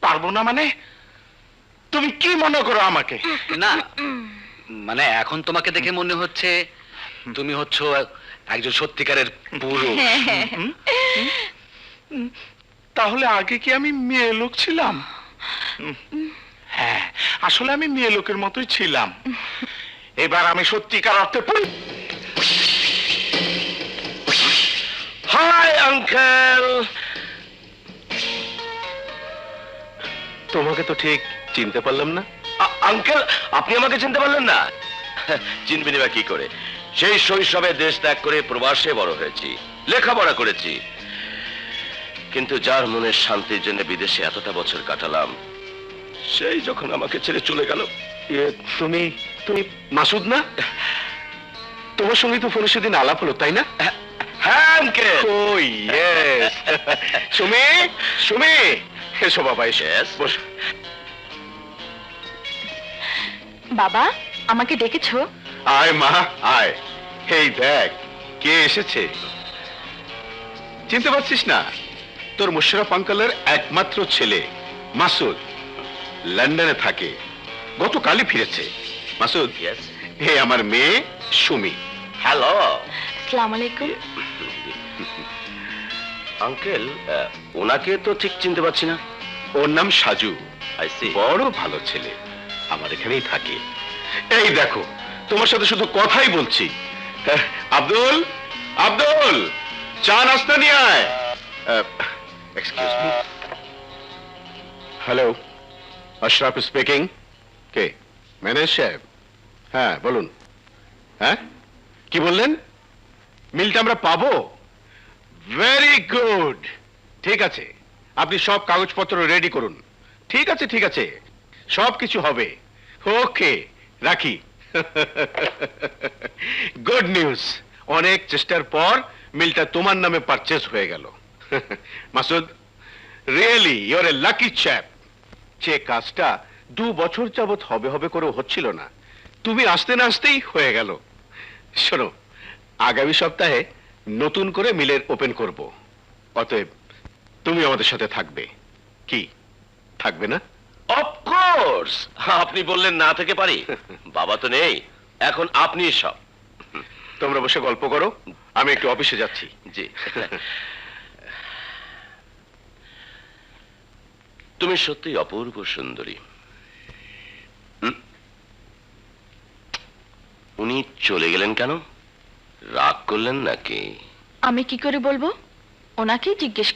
পারবো না মানে? তুমি কি মনে করো আমাকে? না মানে এখন তোমাকে দেখে মনে হচ্ছে তুমি হচ্ছ একজন সত্যিকারের পুরুষ। তাহলে আগে কি আমি মেয়ে লোক ছিলাম? হ্যাঁ, আসলে আমি মেয়ে লোকের মতোই ছিলাম। এবার আমি সত্যিকার অর্থে হাই আঙ্কেল। তোমাকে তো ঠিক চিনতে পারলাম না। আঙ্কেল, আপনি আমাকে চিনতে পারলেন না? চিনবেনি বা কি করে? সেই শৈশবে দেশ ত্যাগ করে প্রবাসে বড় হয়েছি, লেখাপড়া করেছি, কিন্তু যার মনের শান্তির জন্য বিদেশে এতটা বছর কাটালাম, সেই যখন আমাকে ছেড়ে চলে গেল। তুমি তুমি মাসুদ না? তোমার সঙ্গে তো ফোনে সেদিন আলাপ হলো, তাই না? হ্যাঁ uncle. Oh, yes. Sumi, Sumi, এসো বাবা, এসো। Yes. বসো। বাবা, আমাকে ডেকেছো? আয় মা, আয়। এই দেখ কে এসেছে। চিনতে পারছিস না? তোর মুশাররফ আঙ্কেলের একমাত্র ছেলে মাসুদ, লন্ডনে থাকে, গতকালই ফিরেছে। মাসুদ, Yes. হে আমার মেয়ে সুমি। হ্যালো আসসালামু আলাইকুম। আঙ্কেল, ওনাকে তো ঠিক চিনতে পারছি না। ওর নাম সাজু, আই সি। বড় ভালো ছেলে, আমার এখানেই থাকে। এই দেখো, তোমার সাথে শুধু কথাই বলছি। আব্দুল, আব্দুল, চা নাস্তা নিয়ে আয়। Excuse me. Hello, Ashraf speaking. কে? ম্যানেজার সাহেব? হ্যাঁ বলুন। হ্যাঁ, কি বললেন? মিলটা আমরা পাবো? ভেরি গুড, ঠিক আছে, আপনি সব কাগজপত্র রেডি করুন। ঠিক আছে, ঠিক আছে, সব কিছু হবে। ওকে, রাখি। গুড নিউজ, অনেক চেষ্টার পর মিলটা তোমার নামে পারচেজ হয়ে গেল। Masud, really your a lucky chap. যে কাজটা 2 বছর যাবত হবে হবে করে হচ্ছিল না, তুমি আসতে না আসতেই হয়ে গেল। শোনো, আগামী সপ্তাহে নতুন করে মিলের ওপেন করব, অতএব তুমি আমাদের সাথে থাকবে। কি, থাকবে না? অফকোর্স, আপনি বললেন না থেকে পারি? বাবা তো নেই, এখন আপনি সব। তোমরা বসে গল্প করো, আমি একটু অফিসে যাচ্ছি। জি। তুমি সত্যি অপূর্ব সুন্দরী। উনি চলে গেলেন কেন? রাগ করলেন নাকি? আমি কি করে বলবো? ওনাকেই জিজ্ঞেস